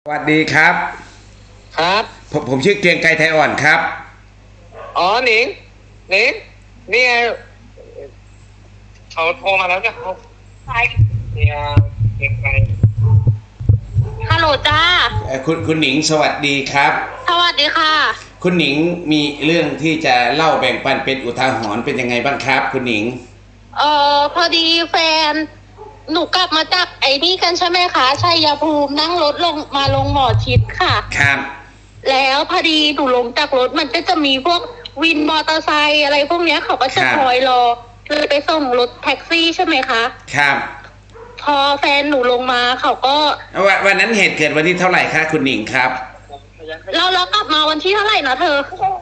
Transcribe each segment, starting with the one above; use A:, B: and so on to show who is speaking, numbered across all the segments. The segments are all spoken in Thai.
A: สวัสดีครับ
B: ครับ
A: ผมชื่อเกรียงไกรไทยอ่อนครับ
B: อ๋อหนิงนี่ไงเขาโทรมาแล้วจ้ะเขาใช่เนี่ยเก่งไป
C: ฮัลโหลจ้า
A: คุณหนิงสวัสดีครับ
C: สวัสดีค่ะ
A: คุณหนิงมีเรื่องที่จะเล่าแบ่งปันเป็นอุทาหรณ์เป็นยังไงบ้างครับคุณหนิง
C: พอดีแฟนหนูกลับมาจากไอ้นี่กันใช่ไหมคะชัยภูมินั่งรถลงหมอชิดค่ะ
A: ครับ
C: แล้วพอดีหนูลงจากรถมันก็จะมีพวกวินมอเตอร์ไซค์อะไรพวกเนี้ยเขาก็จะคอยรอเลยไปส่งรถแท็กซี่ใช่ไหมคะ
A: ครับ
C: พอแฟนหนูลงมาเขาก็
A: วันนั้นเหตุเกิดวันที่เท่าไหร่คะคุณหนิงครับ
C: เรากลับมาวันที่เท่าไหร่นะเธอ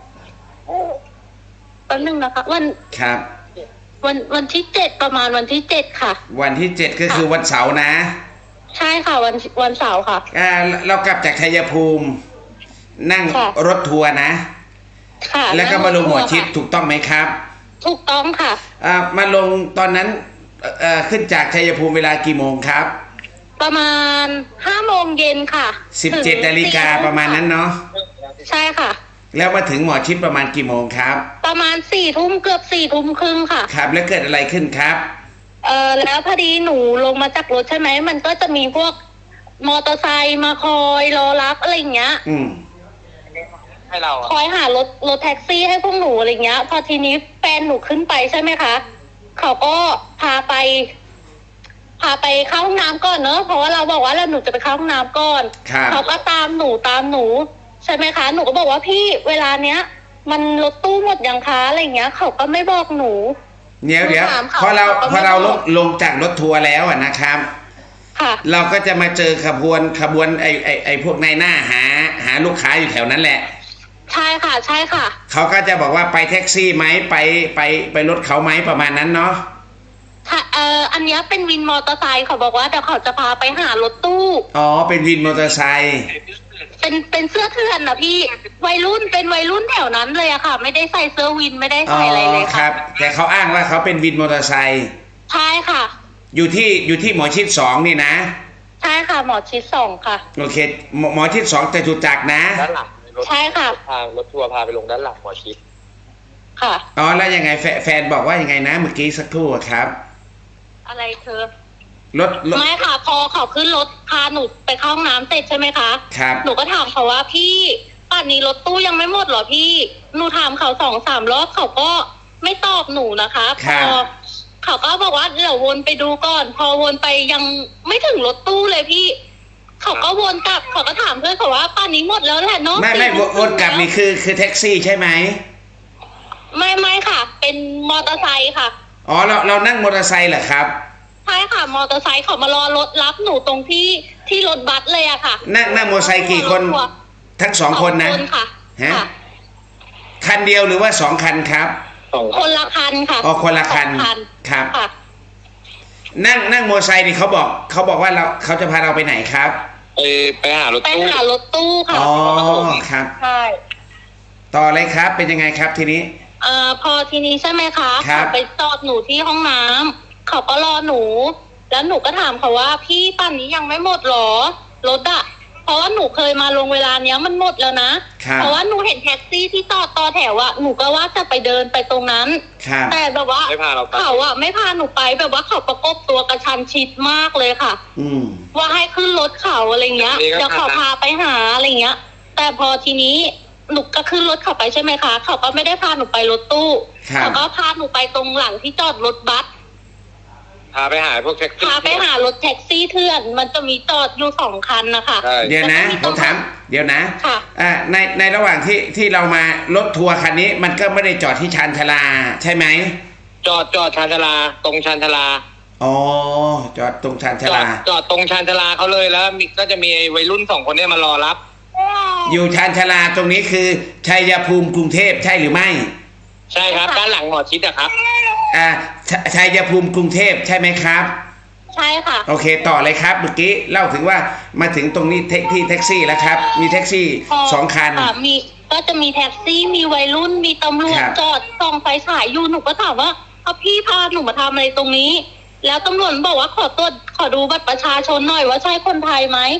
C: แป๊บนึงนะคะ
A: ครับ
C: วันที่7ประมาณวันที่7ค่ะ
A: วันที่7ก็คือวันเสาร์นะ
C: ใช่ค่ะวันเสาร์ค่ะ
A: เรากลับจากชัยภูมินั่งรถทัวร์นะ
C: ค่ะ
A: แล้วก็มาลงหมอชิดถูกต้องไหมครับ
C: ถูกต้องค่ะ
A: มาลงตอนนั้นขึ้นจากชัยภูมิเวลากี่โมงครับ
C: ประมาณ5 โมงเย็นค่ะ
A: 17 นาฬิกาประมาณนั้นเนาะ
C: ใช่ค่ะ
A: แล้วมาถึงหมอชิดประมาณกี่โมงครับ
C: ประมาณ4 ทุ่มเกือบ4 ทุ่มครึ่งค่ะ
A: ครับแล้วเกิดอะไรขึ้นครับ
C: แล้วพอดีหนูลงมาจากรถใช่ไหมมันก็จะมีพวกมอเตอร์ไซค์มาคอยรอรับอะไรอย่างเงี้ย
B: ให้เรา
C: คอยหารถแท็กซี่ให้พวกหนูอะไรเงี้ยพอทีนี้แฟนหนูขึ้นไปใช่ไหมคะเขาก็พาไปเข้าห้องน้ำก่อนเนอะเพราะว่าเราบอกว่าหนูจะไปเข้าห้องน้ำก่อนเขาก็ตามหนูใช่ไหมคะหนูก็บอกว่าพี่เวลาเนี้ยมันรถตู้หมดยังคะอะไรเงี้ยเขาก็ไม่บอกหนู
A: เดี๋ยวพอเราลงจากรถทัวร์แล้วนะครับเราก็จะมาเจอขบวนไอพวกนายหน้าหาลูกค้าอยู่แถวนั้นแหละ
C: ใช่ค่ะ
A: เขาก็จะบอกว่าไปแท็กซี่ไหมไปรถเขาไหมประมาณนั้นเนาะ
C: อันนี้เป็นวินมอเตอร์ไซค์เขาบอกว่าเดี๋ยวเขาจะพาไปหารถตู้
A: อ๋อเป็นวินมอเตอร์ไซค์
C: เป็นเสื้อเถื่อนนะพี่เป็นวัยรุ่นแถวนั้นเลยอะค่ะไม่ได้ใส่เสื้อวินไม่ได้ใส่อะไรเลยค่ะ
A: ครับแต่เขาอ้างว่าเขาเป็นวินมอเตอร์ไซค์
C: ใช่ค่ะ
A: อยู่ที่หมอชิด2นี่นะ
C: ใช่ค่ะหมอชิด2ค่ะ
A: โอเคหมอชิด2จตุจักรนะ
B: ด้านหลัง
C: ใช่ค่ะ
B: รถทัวร์พาไปลงด้านหลังหมอชิด
C: ค่ะ
A: อ๋อแล้วยังไงแฟนบอกว่ายังไงนะเมื่อกี้สักครู่ครับ
C: อะไรเธอ
A: รถ
C: ไม่ค่ะพอเขาขึ้นรถพาหนูไปเข้าห้องน้ำเสร็จใช่ไหมคะ
A: ครับ
C: หนูก็ถามเขาว่าพี่ป่านนี้รถตู้ยังไม่หมดเหรอพี่หนูถามเขา2-3 รอบเขาก็ไม่ตอบหนูนะคะพอเขาก็บอกว่าเดี๋ยววนไปดูก่อนพอวนไปยังไม่ถึงรถตู้เลยพี่เขาก็วนกลับเขาก็ถามเพื่อนเขาว่าป่านนี้หมดแล้วแหละเนาะ
A: ไม่วนกลับนี่คือแท็กซี่ใช่ไหม
C: ไม่ค่ะเป็นมอเตอร์ไซค์ค่ะ
A: อ๋อเรานั่งมอเตอร์ไซค์เหรอครับ
C: ใช่ค่ะมอเตอร์ไซค์เขามารอรถรับหนูตรงที่รถบัสเลยอะค่ะ
A: นั่งมอเตอร์ไซค์กี่คนทั้ง2 คนนะฮะคันเดียวหรือว่า2 คันครับ
C: คนละคันค่ะ
A: อ๋อคนละคันครับนั่งมอเตอร์ไซค์นี่เขาบอกว่าเขาจะพาเราไปไหนครับ
B: ไปหารถ
C: ตู้ค่ะ
A: อ๋อครับ
C: ใช่
A: ต่อเลยครับเป็นยังไงครับทีนี้
C: พอทีนี้ใช่ไหมคะเขาไปจอดหนูที่ห้องน้ำเขาก็รอหนูแล้วหนูก็ถามเขาว่าพี่ป่านนี้ยังไม่หมดหรอรถอะเพราะว่าหนูเคยมาลงเวลาเนี้ยมันหมดแล้วนะเพราะว่าหนูเห็นแท็กซี่ที่จอดต่อแถวอะหนูก็ว่าจะไปเดินไปตรงนั้นแต่แบบว่าเขาอะไม่พาหนูไปแบบว่าเขาประกบตัวกระชันชิดมากเลยค่ะว่าให้ขึ้นรถเขาอะไรเงี้ยเดี๋ยวเขาพาไปหาอะไรเงี้ยแต่พอทีนี้หนูก็ขึ้นรถเขาไปใช่ไหมคะเขาก็ไม่ได้พาหนูไปรถตู้เขาก็พาหนูไปตรงหลังที่จอดรถบัส
B: พาไปหาพวกแท็กซี่
C: พาไปหารถแท็กซี่เถื่อนมันจะมีจอดอยู่2 คันนะคะ
A: เดี๋ยวนะผมถามเดี๋ยวนะในระหว่างที่เรามารถทัวร์คันนี้มันก็ไม่ได้จอดที่ชานชาลาใช่ไหม
B: จอดชานชาลาตรงชานชาลา
A: อ๋อจอดตรงชานชาลา
B: จอดตรงชานชาลาเขาเลยแล้วก็จะมีวัยรุ่น2 คนนี้มารอรับ
A: อยู่ชานชาลาตรงนี้คือชัยภูมิกรุงเทพใช่หรือไม่
B: ใช่ครับด้านหลังหมอชิดอะครับ
A: ชัยภูมิกรุงเทพใช่ไหมครับ
C: ใช่ค่ะ
A: โอเคต่อเลยครับเมื่อกี้เล่าถึงว่ามาถึงตรงนี้ที่แท็กซี่แล้วครับมีแท็กซี่2 คัน
C: มีก็จะมีแท็กซี่มีวัยรุ่นมีตำรวจจอดส่องไฟฉายอยู่หนูก็ถามว่าพี่พาหนูมาทำอะไรตรงนี้แล้วตำรวจบอกว่าขอดูบัตรประชาชนหน่อยว่าใช่คนไทยไหมห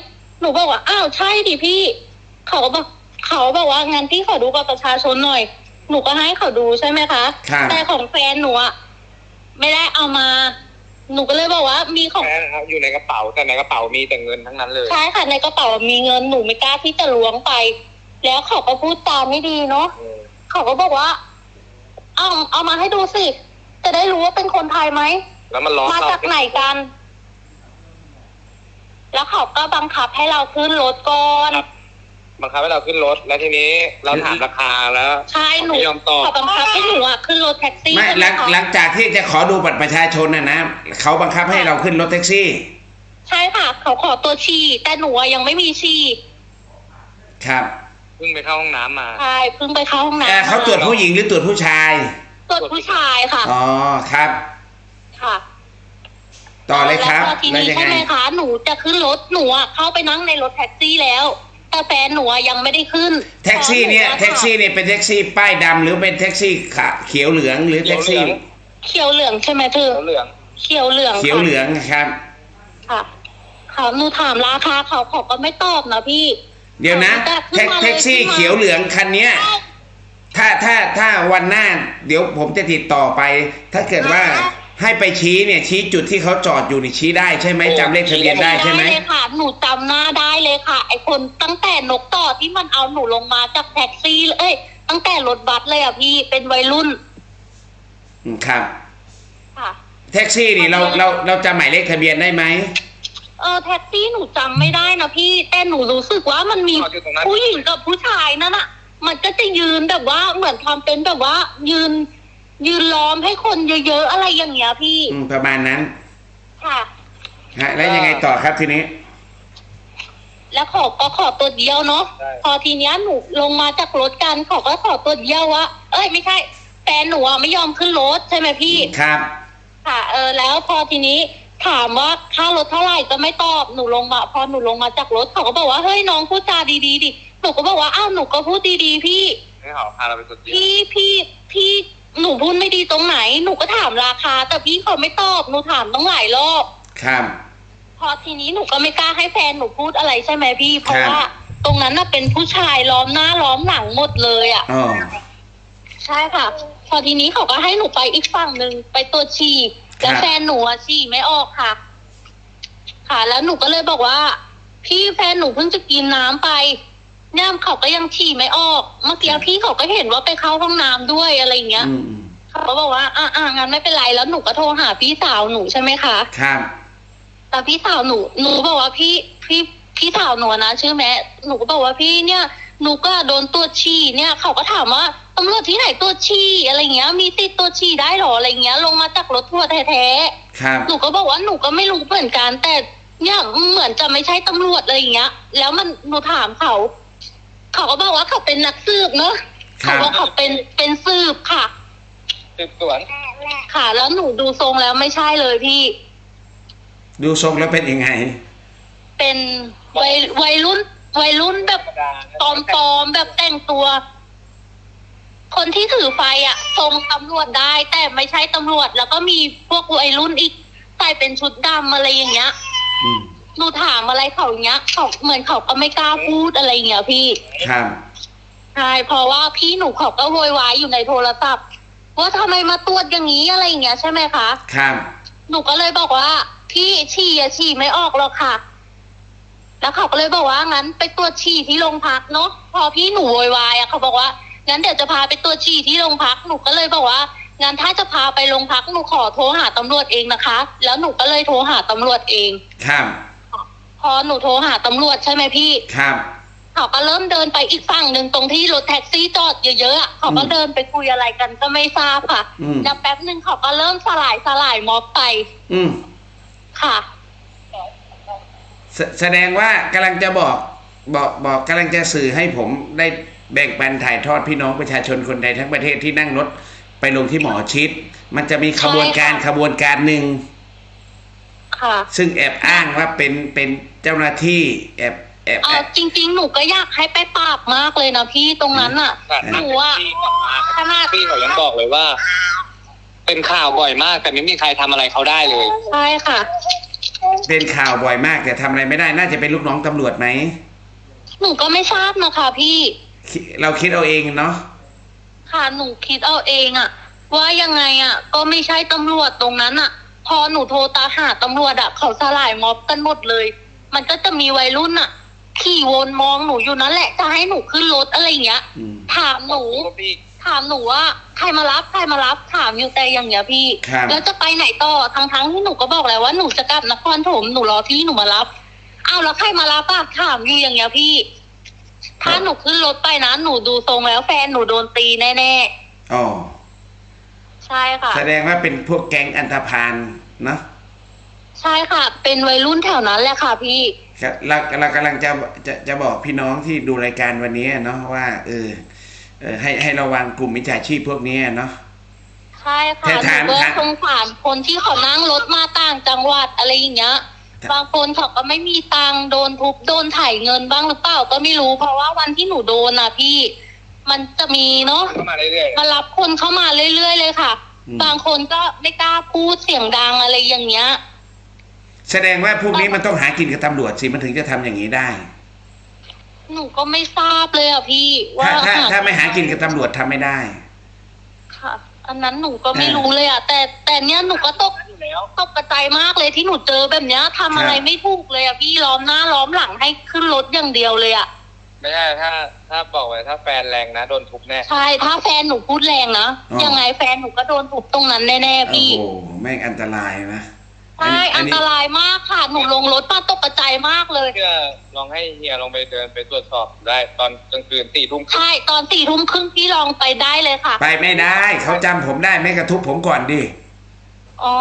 C: หนูบอกว่าอ้าวใช่ดิพี่เขาบอกว่างั้นพี่ขอดูบัตรประชาชนหน่อยหนูก็ให้เขาดูใช่ไหมคะแต่ของแฟนหนูอะไม่ได้เอามาหนูก็เลยบอกว่ามีของ
B: แฟนอยู่ในกระเป๋าแต่ในกระเป๋ามีแต่เงินทั้งนั้นเลย
C: ใช่ค่ะในกระเป๋ามีเงินหนูไม่กล้าที่จะล้วงไป แล้วเขาก็พูดตามไม่ดีเนาะเขาก็บอกว่าเอามาให้ดูสิจะได้รู้ว่าเป็นคนไทยไหม
B: แล้วมันล้อ
C: มาจากไหนกัน แล้วเขาก็บังคับให้เราขึ้นรถก่อน
B: บังคับให้เราขึ้นรถแล้วทีนี้เราถามราคาแล้ว
C: ใช่หนู
B: ไม่ยอมตอบ
C: เขาบังคับให้หนูขึ้นรถแท็กซี่
A: ไม่หลังจากที่จะขอดูบัตรประชาชนนะเขาบังคับให้เราขึ้นรถแท็กซี่
C: ใช่ค่ะเขาขอตัวฉี่แต่หนูยังไม่มีฉี่
A: ครับ
B: เพิ่งไปเข้าห้องน้ำมา
C: ใช่เพิ่งไปเข้าห้องน้ำ
A: เขาตรวจผู้หญิงหรือตรวจผู้ชาย
C: ตรวจผู้ชายค่ะ
A: อ๋อครับ
C: ค่ะ
A: ต่อเลยครับ
C: แล้วทีนี้ใช่ไหมคะหนูจะขึ้นรถหนูเข้าไปนั่งในรถแท็กซี่แล้วแต่แฟนหนูยังไม่ได้ขึ้น
A: แท็กซี่เนี่ยเป็นแท็กซี่ป้ายดำหรือเป็นแท็กซี่เขียวเหลืองหรือแท็กซี่
C: เขียวเหลืองใช่ไหมเธอเขียวเหลือง
A: ครับ
C: ค่ะเขาหนูถามราคาเขาก็ไม่ตอบนะพี่
A: เดี๋ยวนะแท็กซี่เขียวเหลืองคันนี้ถ้าวันหน้าเดี๋ยวผมจะติดต่อไปถ้าเกิดว่าให้ไปชี้เนี่ยชี้จุดที่เขาจอดอยู่นี่ชี้ได้ใช่ไหมจำเลขทะเบียนได้ใช่ไหม
C: ได้เลยค่ะหนูจำหน้าได้เลยค่ะไอคนตั้งแต่นกต่อที่มันเอาหนูลงมาจากแท็กซี่ตั้งแต่รถบัสเลยอ่ะพี่เป็นวัยรุ่น
A: ครับ
C: ค่ะ
A: แท็กซี่นี่เราจำหมายเลขทะเบียนได้ไหม
C: แท็กซี่หนูจำไม่ได้นะพี่แต่หนูรู้สึกว่ามันมีผู้หญิงกับผู้ชายนั่นน่ะมันก็จะยืนแบบว่าเหมือนทำเป็นแบบว่ายืนล้อมให้คนเยอะๆอะไรอย่างเงี้ยพี่
A: ประมาณนั้น
C: ค่ะ
A: แล้วยังไงต่อครับทีนี้
C: แล้วขอตัวเดียวเนาะพอทีเนี้ยหนูลงมาจากรถกันขอตัวเดียวว่าไม่ใช่แฟนหนูไม่ยอมขึ้นรถใช่ไหมพี่
A: ครับ
C: ค่ะแล้วพอทีนี้ถามว่าค่ารถเท่าไหร่ก็ไม่ตอบหนูลงมาพอหนูลงมาจากรถเขาก็บอกว่าเฮ้ยน้องพูดจาดีๆดิหนูก็บอกว่าอ้าวหนูก็พูดดีๆพี่
B: ให้เขาพาเราไปสุด
C: พี่หนูพูดไม่ดีตรงไหนหนูก็ถามราคาแต่พี่เขาไม่ตอบหนูถามต้องหลายรอบ
A: ครับ
C: พอทีนี้หนูก็ไม่กล้าให้แฟนหนูพูดอะไรใช่ไหมพี่เพราะว่าตรงนั้นน่ะเป็นผู้ชายล้อมหน้าล้อมหลังหมดเลยอ่ะใช่ค่ะพอทีนี้เขาก็ให้หนูไปอีกฝั่งหนึ่งไปตรวจฉี่แล้วแฟนหนูฉี่ไม่ออกค่ะแล้วหนูก็เลยบอกว่าพี่แฟนหนูเพิ่งจะกินน้ำไปเนี่ยเขาก็ยังฉี่ไม่ออกเมื่อกี้พี่เขาก็เห็นว่าไปเข้าห้องน้ำด้วยอะไรอย่างเงี้ยเขาก็บอกว่างั้นไม่เป็นไรแล้วหนูก็โทรหาพี่สาวหนูใช่ไหมคะ
A: ครับ
C: แต่พี่สาวหนูบอกว่าพี่สาวหนูนะชื่อแม่หนูก็บอกว่าพี่เนี่ยหนูก็โดนตรวจฉี่เนี่ยเขาก็ถามว่าตำรวจที่ไหนตรวจฉี่อะไรเงี้ยมีติดตรวจฉี่ได้หรออะไรเงี้ยลงมาจากรถทัวร์แท้
A: ๆห
C: นูก็บอกว่าหนูก็ไม่รู้เหมือนกันแต่เนี่ยเหมือนจะไม่ใช่ตำรวจอะไรเงี้ยแล้วหนูถามเขาก็บอกว่าเขาเป็นนักสืบเนอะเขาบอกเขาเป็นสืบค่ะ
B: สืบสวน
C: ค่ะแล้วหนูดูทรงแล้วไม่ใช่เลยพี่
A: ดูทรงแล้วเป็นยังไง
C: เป็นวัยรุ่นแบบปลอมแบบแต่งตัวคนที่ถือไฟทรงตำรวจได้แต่ไม่ใช่ตำรวจแล้วก็มีพวกวัยรุ่นอีกใส่เป็นชุดดำอะไรอย่างเงี้ยหนูถามอะไรเขาอย่างเงี้ยเขาเหมือนเขาก็ไม่กล้าพูดอะไรอย่างเงี้ยพี่
A: ครับ
C: ใช่เพราะว่าพี่หนูเขาก็โวยวายอยู่ในโทรศัพท์ว่าทำไมมาตรวจอย่างนี้อะไรอย่างเงี้ยใช่ไหมคะ
A: ครับ
C: หนูก็เลยบอกว่าพี่ฉี่ไม่ออกหรอกค่ะแล้วเขาก็เลยบอกว่างั้นไปตรวจฉี่ที่โรงพักเนาะพอพี่หนูโวยวายเขาบอกว่างั้นเดี๋ยวจะพาไปตรวจฉี่ที่โรงพักหนูก็เลยบอกว่างั้นถ้าจะพาไปโรงพักหนูขอโทรหาตำรวจเองนะคะแล้วหนูก็เลยโทรหาตำรวจเอง
A: ครับ
C: พอหนูโทรหาตำรวจใช่ไหมพี่
A: ครับ
C: เขาก็เริ่มเดินไปอีกฝั่งหนึ่งตรงที่รถแท็กซี่จอดเยอะๆเขาก็เดินไปคุยอะไรกันก็ไม่ทราบค่ะแล้วแป๊บนึงเขาก็เริ่มสลายม็อบไปค่ะ
A: แสดงว่ากำลังจะบอกกำลังจะสื่อให้ผมได้แบ่งปันถ่ายทอดพี่น้องประชาชนคนใดทั้งประเทศที่นั่งรถไปลงที่หมอชิดมันจะมีขบวนการหนึ่งซึ่งแอบอ้างว่าเป็นเจ้าหน้าที่แอบ
C: จริงๆหนูก็อยากให้ไปปราบมากเลยนะพี่ตรงนั้นหนู
B: ขนาดพี่เขายังบอกเลยว่าเป็นข่าวบ่อยมากแต่ไม่มีใครทำอะไรเขาได้เลย
C: ใช่ค่ะ
A: เป็นข่าวบ่อยมากแต่ทำอะไรไม่ได้น่าจะเป็นลูกน้องตำรวจไหม
C: หนูก็ไม่ทราบนะคะพี่
A: เราคิดเอาเองเนาะ
C: ค่ะหนูคิดเอาเองอะว่ายังไงอะก็ไม่ใช่ตำรวจตรงนั้นอะพอหนูโทรตามหาตำรวจอะเขาสลายม็อบกันหมดเลย มันก็จะมีวัยรุ่นอะขี่วนมองหนูอยู่นั่นแหละจะให้หนูขึ้นรถอะไรอย่างเงี้ย ถามหนูว่าใครมารับถามอยู่แต่อย่างเงี้ยพี่ แล้วจะไปไหนต่อทั้งที่หนูก็บอกแล้วว่าหนูจะกลับนครปฐมหนูรอพี่หนูมารับอ้าวแล้วใครมารับอะถามอยู่อย่างเงี้ยพี่ ถ้าหนูขึ้นรถไปนะหนูดูทรงแล้วแฟนหนูโดนตีแน่ๆ
A: อ๋อ
C: ใช่ค่ะ
A: แสดงว่าเป็นพวกแก๊งอันธพาลเนาะ
C: ใช่ค่ะเป็นวัยรุ่นแถวนั้นแหละค่ะพี่
A: เรากำลังจะบอกพี่น้องที่ดูรายการวันนี้เนาะว่าให้ระวังกลุ่มมิจฉาชีพพวกนี้เนาะ
C: ใช่ค่ะหนูก็สงสารคนที่เขานั่งรถมาต่างจังหวัดอะไรอย่างเงี้ยบางคนเขาก็ไม่มีตังค์โดนทุบโดนถ่ายเงินบ้างหรือเปล่าก็ไม่รู้เพราะว่าวันที่หนูโดนน่ะพี่มันจะมีเนาะมารับคนเข้ามาเรื่อยๆเลยค่ะบางคนก็ไม่กล้าพูดเสียงดังอะไรอย่างเงี้ย
A: แสดงว่าพวกนี้มันต้องหากินกับตำรวจสิมันถึงจะทำอย่างนี้ได้
C: หนูก็ไม่ทราบเลยอ่ะพี่ว่า
A: ถ้าไม่หากินกับตำรวจทำไม่ได้
C: ค่ะอันนั้นหนูก็ไม่รู้เลยอ่ะแต่เนี้ยหนูก็ตกกระจายมากเลยที่หนูเจอแบบเนี้ยทำอะไรไม่ถูกเลยอ่ะพี่ล้อมหน้าล้อมหลังให้ขึ้นรถอย่างเดียวเลยอ่ะ
B: ไม่ใช่ถ้าบอกไว้ถ้าแฟนแรงนะโดนทุบแน่
C: ใช่ถ้าแฟนหนูพูดแรงนะยังไงแฟนหนูก็โดนทุบตรงนั้นแน่ๆพี่
A: โอ้แม่งอันตรายนะ
C: ใช่อันตรายมากค่ะหนูลงรถมาตกกระจายมากเลย
B: เพื่อลองให้เฮียลองไปเดินไปตรวจสอบได้ตอนกลางคืน4 ทุ่ม
C: ใช่ตอน4 ทุ่มครึ่งพี่ลองไปได้เลยค่ะ
A: ไปไม่ได้เขาจำผมได้ไม่กระทุบผมก่อนดิ
C: อ๋อ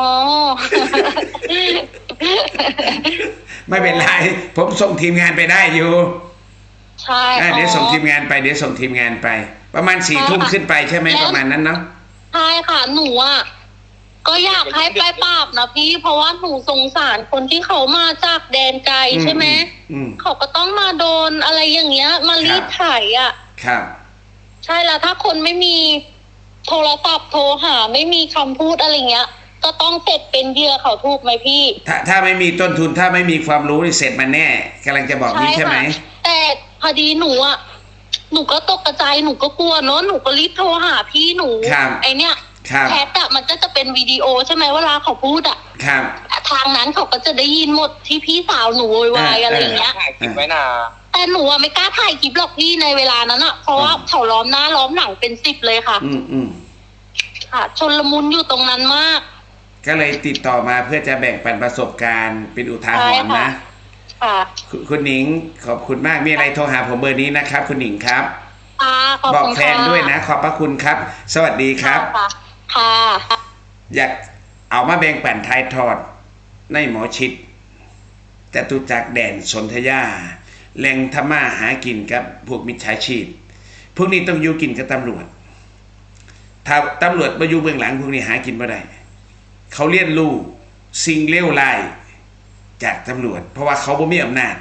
A: ไม่เป็นไรผมส่งทีมงานไปได้อยู่
C: ใช่
A: เดี๋ยวส่งทีมงานไปประมาณ4 ทุ่มขึ้นไปใช่ไหมประมาณนั้นเนาะ
C: ใช่ค่ะหนูอ่ะก็อยากให้ไปปราบนะพี่เพราะว่าหนูสงสารคนที่เขามาจากแดนไกลใช่ไหมเขาก็ต้องมาโดนอะไรอย่างเงี้ยมารีดไถอ่ะ
A: ครับ
C: ใช่แล้วถ้าคนไม่มีโทรศัพท์โทรหาไม่มีคำพูดอะไรเงี้ยก็ต้องเสร็จเป็นเหยื่อเขาถูกไหมพี่
A: ถ้าไม่มีต้นทุนถ้าไม่มีความรู้นี่เสร็จมันแน่กำลังจะบอกนี้ใช่ไหม
C: แต่พอดีหนูอ่ะหนูก็ตกกระจายหนูก็กลัวเนาะหนูก็รีบโทรหาพี่หนูไอเนี้ยแชทอะมันก็จะเป็นวิดีโอใช่ไหมเวลาเขาพูดอะทางนั้นเขาก็จะได้ยินหมดที่พี่สาวหนูโวยวายอะไรอย่างเงี้ย
B: ถ่ายคลิปไว้นะ
C: แต่หนูอะไม่กล้าถ่ายคลิปหรอกพี่ในเวลานั้นอะเพราะว่าเขาล้อมหน้าล้อมหลังเป็น10เลยค่ะค่ะชนละมุนอยู่ตรงนั้นมาก
A: ก็เลยติดต่อมาเพื่อจะแบ่งปันประสบการณ์เป็นอุทาหรณ์นะคุณหนิงขอบคุณมากมีอะไรโทรหาผมเบอร์นี้นะครับคุณหนิงครับบอกแฟนด้วยนะขอบพระคุณครับสวัสดีครับ
C: ค่ะ
A: อยากเอามาแบ่งปันทายทอดในหมอชิดจตุจักรแดนสนธยาแหล่งธรรมาหากินกับพวกมิจฉาชีพพวกนี้ต้องอยู่กินกับตำรวจถ้าตำรวจมาอยู่เบื้องหลังพวกนี้หากินไม่ได้เขาเรียนรู้สิ่งเลวร้ายจากตำรวจเพราะว่าเขาบ่มีอำนาจ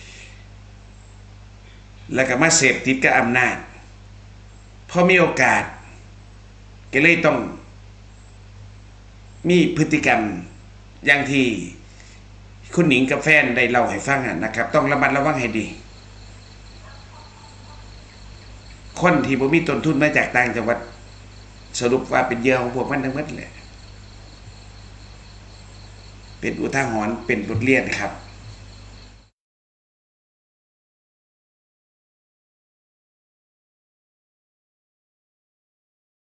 A: แล้วก็มาเสพติดกับอำนาจพอมีโอกาสก็เลยต้องมีพฤติกรรมอย่างที่คุณหนิงกับแฟนได้เล่าให้ฟังนะครับต้องระมัดระวังให้ดีคนที่บ่มีต้นทุนมาจากต่างจังหวัดสรุปว่าเป็นเหยื่อของพวกมันทั้งหมดเลยเป็นอุทาหรณ์เป็นบทเรียนครับ